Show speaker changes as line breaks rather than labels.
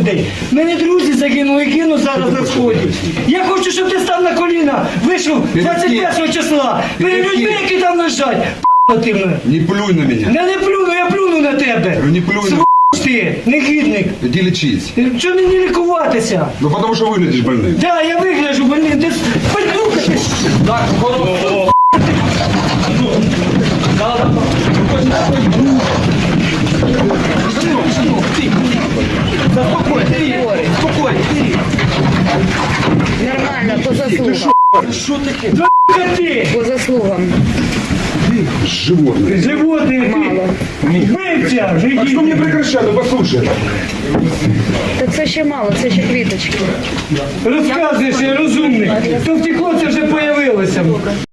людей. Мене друзі загинули і кинуть зараз на сході. Я хочу, щоб ти став на коліна, вийшов 21 числа. Перед людьми, які там лежать. П***а ти мене.
Не плюй на меня.
Не плюну, я плюну на тебе.
Не плюй на...
Ти, негідник.
Иди лечись.
Чого мені лікуватися?
Ну потому что выглядишь больным.
Да, я вигляджу больним. Ти поднюхатись.
Так, хорошо.
Нормально, по заслугам.
Що таке? Ти!
По заслугам.
Животное.
Животне, ти! Вбивця!
А что
Жидіть!
мне прекращать? Ну послушай.
Та це ще мало, це ще квіточки.
Розказуєш, я розумний. То втекло, це вже появилося.